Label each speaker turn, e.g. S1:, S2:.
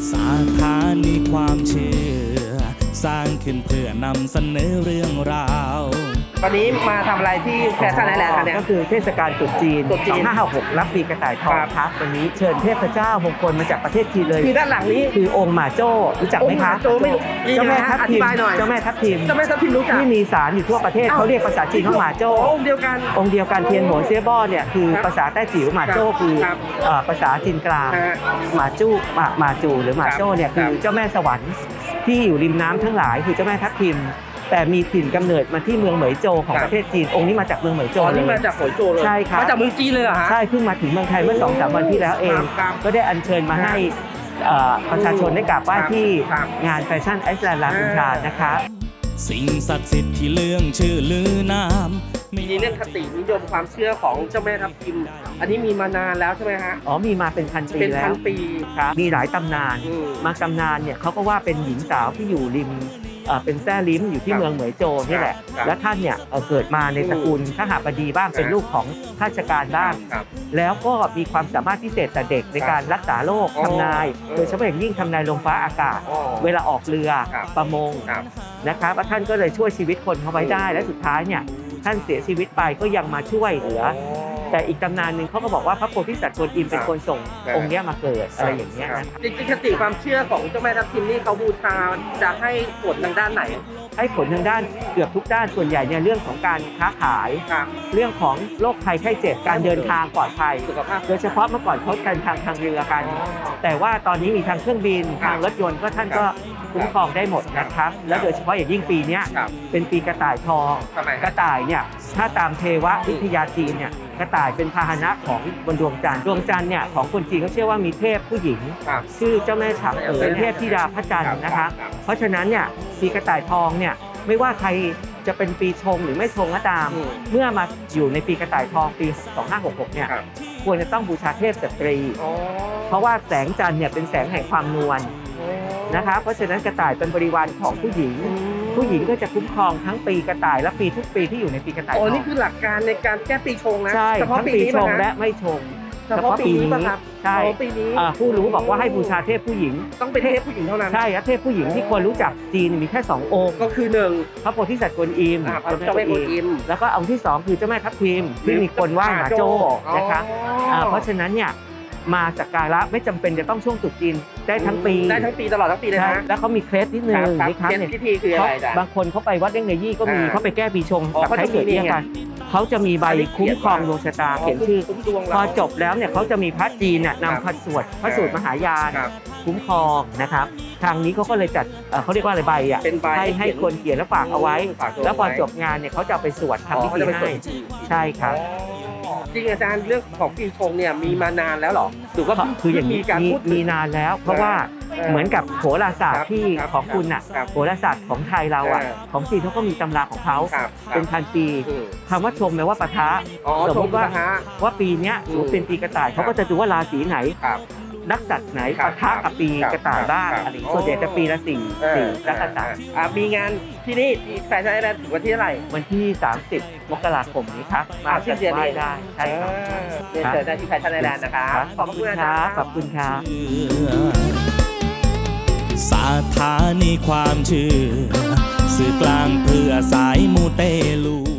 S1: สาขานีความเชื่อสร้างขึ้นเพื่อนำเสนอเรื่องราว
S2: วันนี้มาทำอะไรที่แฟชั่นไอแลนด์คะเนี่ย
S3: ก็คือเทศกาลตรุษจีน 2566 รับปีกระต่ายทอง
S2: ครับ
S3: ครับวันนี้เชิญเทพเจ้ามงคลมาจากประเทศจีนเลย
S2: คือด้านหลังนี้
S3: คือองค์หม่าโจ้รู้จักไหมครับ
S2: องค์หม่าโจ้ไม่รู้
S3: เจ้าแม่ทับ
S2: อธิ
S3: ทิม
S2: บายหน่อย
S3: เจ้าแม่ทับทิม
S2: เจ้าแม่ทับทิมรู้จัก
S3: ที่มีศาลอยู่ทั่วประเทศเขาเรียกภาษาจีนว่าหม่าโจ้
S2: องค์เดียวกัน
S3: องค์เดียวกันเทียนโหนเซี่ยบ้อเนี่ยคือ
S2: ครับ
S3: ภาษาแต้จิ๋วหม่าโจ้คือ
S2: ครับ
S3: ภาษาจีนกลาง
S2: ฮะ
S3: หม่าจู้หม่าจูหรือหม่าโจ้เนี่ยคือเจ้าแม่สวรรค์ที่อยู่ริมน้ำทั้งหลายคือเจ้าแม่ทับทิมแต่มีถิ่นกำเนิดมาที่เมืองเหมยโจวของประเทศจีนองค์นี้มาจากเมืองเหมยโจว
S2: นี่
S3: เล
S2: มาย จากโขยโจเลย
S3: ใช่ครับ
S2: มาจากเมืองจีนเลยเหรอฮะ
S3: ใช่เพิ่งมาถึงเมืองไทยเมื่อ 2-3 วันที่แล้วเอง
S2: ครับ
S3: ก็ได้อัญเชิญมาให้ประชาชนได้กราบไหว้ที่
S2: ครับ
S3: งานแฟชั่นไอซ์แลนด์ลาคุนทรานะครับ
S1: สิ่งศักดิ์สิทธิ์ที่เรื่องชื่อลือนามไม่
S2: มีเรื่องคตินิยมความเชื่อของเจ้าแม่ทับทิม อันนี้มีมานานแล้วใช่ไหมฮะ
S3: อ๋อมีมาเป็นพันปี
S2: เป็น
S3: แล้
S2: พั
S3: วน
S2: ปี
S3: ครับมีหลายตำนาน
S2: อืม
S3: บางตำนานเนี่ยเขาก็ว่าเป็นหญิงสาวที่อยู่ริมเป็นแซ่ลิ้มอยู่ที่
S2: ครับ
S3: เมืองเหมยโจวนี่แหละ
S2: ครับ
S3: และท่านเนี่ยเกิดมาในตระกูลข้าหบดีบ้างเป็นลูกของข้าราชการบ้าง
S2: ครับ
S3: แล้วก็มีความสามารถพิเศษแต่เด็กในการรักษาโรค
S2: อ๋อ
S3: ทำนาย โดยเฉพาะอย่างยิ่งทำนายลมฟ้าอากาศ
S2: อ๋อ
S3: เวลาออกเรือ
S2: ครับ
S3: ประมง
S2: ครับ
S3: นะครับว่าท่านก็เลยช่วยชีวิตคนเขาไว้ได้ และสุดท้ายเนี่ยท่านเสียชีวิตไปก็ยังมาช่วยเหลือ แต่อีกตำนานหนึ่งเขาก็บอกว่าพระโพธิสัตว์กวนอิมเป็นคนส่ง
S2: ครับ
S3: องค์เนี้ยมาเกิดอะไรอย่างเงี้ยนะครับ
S2: จริงๆคติความเชื่อของเจ้าแม่ทับทิมนี่เขาบูชาจะให้ผลทางด้านไหน
S3: ให้ผลทางด้านเกือบทุกด้านส่วนใหญ่เนี่ยเรื่องของการค้าขาย
S2: ครับ
S3: เรื่องของโรคภัยไข้เจ็บการเดินทางปลอดภัย
S2: สุขภาพ
S3: โดยเฉพาะเมื่อก่อนเขากันทางเรือกัน แต่ว่าตอนนี้มีทางเครื่องบิน
S2: ครับ
S3: ทางรถยนต์ก็ท่านก็คุ้มครองได้หมดนะครับ แล้วโดยเฉพาะอย่างยิ่งปีเนี้ย
S2: ครับ
S3: เป็นปีกระต่ายทอง
S2: ทำไม
S3: กระต่ายเนี่ยถ้าตามเทววิทยาจีนเนี่ยกระต่ายเป็นพาหนะของบนดวงจันทร์ดวงจันทร์เนี่ยของคนจีนเขาเชื่อว่ามีเทพผู้หญิง
S2: ครับ
S3: ชื่อเจ้าแม่ฉางเป็นเทพธิดาพระจันทร์นะคะ
S2: ครับ
S3: เพราะฉะนั้นเนี่ยปีกระต่ายทองเนี่ยไม่ว่าใครจะเป็นปีชงหรือไม่ชงก็ตาม
S2: อืม
S3: เมื่อมาอยู่ในปีกระต่ายทองปี 2566 เนี่ย
S2: ครับ
S3: ควรจะต้องบูชาเทพสตรี
S2: อ๋อ
S3: เพราะว่าแสงจันทร์เนี่ยเป็นแสงแห่งความนวลนะคะเพราะฉะนั้นกระต่ายเป็นบริวารของผู้หญิง ผู้หญิงก็จะคุ้มครองทั้งปีกระต่ายและปีทุกปีที่อยู่ในปีกระต่ายท
S2: โอ้
S3: อง
S2: นี่คือหลักการในการแก้ปีชงนะ
S3: ใช่
S2: เฉพาะ
S3: ทั้ง
S2: ปี
S3: ปี
S2: นี้
S3: ช
S2: ป่ะ
S3: ง
S2: ฮะ
S3: และไม่ชง
S2: เฉพาะปีนี้ป่ะครับ
S3: ใช่
S2: เฉพาะปีนี้
S3: ผู้รู้บอกว่าให้บูชาเทพผู้หญิง
S2: ต้องเป็นเทพผู้หญิงเท่านั้น
S3: ใช่และเทพผู้หญิงที่ควรรู้จักจีนมีแค่ 2 องค์
S2: ก็คือหนึ่ง
S3: พระโพธิสัตว์กวนอิม
S2: พระเจ้าแม่กวนอิม
S3: แล้วก็องค์ที่ 2 คือเจ้าแม่ทับทิมที่มีคนไหว้หมาโจ้นะคะ เพราะฉะนั้นเนี่ยมาสักการะไม่จำเป็นจะต้องช่วงตรุษจีนได้ทั้งปี
S2: ได้ทั้งปีตลอดทั้งปีเลย
S3: ใช่
S2: นะ
S3: แล้วเขามีเคล็ดนิดนึง
S2: ครับ
S3: นี่ครับ
S2: เคล็ด
S3: เนี่ย
S2: พิธีคืออะไรจ๊ะ
S3: บางคนเขาไปวัดเล่งเนยี่ก็มี
S2: อ่า
S3: เขาไปแก้ปีชง
S2: อ๋อ
S3: กับ
S2: เขา
S3: ไท
S2: จะ
S3: ยเกิด
S2: มี
S3: เรียก
S2: เนี่ย
S3: กันเขาจะมีใบคุ้มครองดวงชะตาเขียนชื่อ
S2: คุ้มดวง
S3: พ
S2: เรา
S3: อจบแล้วเนี่ยเขาจะมีพระจีนเนี่ย
S2: ครับ
S3: นำพระสวดพระสูตรมหายาน
S2: ครับ
S3: คุ้มครองนะครับ ทางนี้เขาก็เลยจัดเขาเรียกว่าอะไรใบอ่ะ
S2: เป็นใบ
S3: ให้คนเขียนแล้วฝากเอาไว้
S2: ฝากเอาไว้
S3: แล้วพอจบงานเนี่ยเขาจะเอาไปสวด
S2: อ๋อ
S3: ทำพิ
S2: เขา
S3: ธี
S2: จะไปสว
S3: ให้
S2: ดจีน
S3: ใช่ครับ
S2: จริงอาจารย์เรื่องของปีชงเนี่ยมีมานานแล้วเหรอหรือว่า
S3: คืออย่างนี้
S2: มีการ
S3: มี
S2: พูดถึง
S3: มีนานแล้ว เพราะว่าเหมือนกับโหราศาสต
S2: ครั
S3: ร์
S2: บ
S3: ที่
S2: ครับ
S3: ของคุณน่ะ
S2: ครับ
S3: โหราศาสตร์ของไทยเราอ่ะ
S2: เออ
S3: ของจีนเขาก็มีตำราของเขา
S2: ครับ
S3: เป็นพันปี
S2: อืม
S3: คำว่าชมแปลว่าปะทะ
S2: อ๋อ
S3: สมมติว่า
S2: ชงนะฮะ
S3: ว่าปีเนี้ยสมมติเป็นปีกระต่ายเขาก็จะดูว่าราศีไหน
S2: ครับ
S3: นักษัตริย์ไหน
S2: ครับ
S3: ปะทะกับปี
S2: ครับ
S3: กระต่ายบ้าง
S2: ครับ
S3: อะไรอย่างเงี้ยส่วนใหญ่จะปีละสี่นักษัตริย์
S2: มีงานที่นี่ที่แฟชั่นไอแลนด์ถึงวันที่เท่าไหร่
S3: วันที่ 30 มกราคมนี้ครับมา
S2: สิ้นเดือนนี้
S3: ไหว้ได้ใช่ครับ
S2: เรียนเชิญได้ที่แฟชั่นไอแลนด์นะคะขอบคุณอา
S3: ค
S2: จาร
S3: รับ
S2: ย์
S3: ขอบคุณครับ
S1: สถานีความเชื่อสื่อกลางเพื่อสายมูเตลู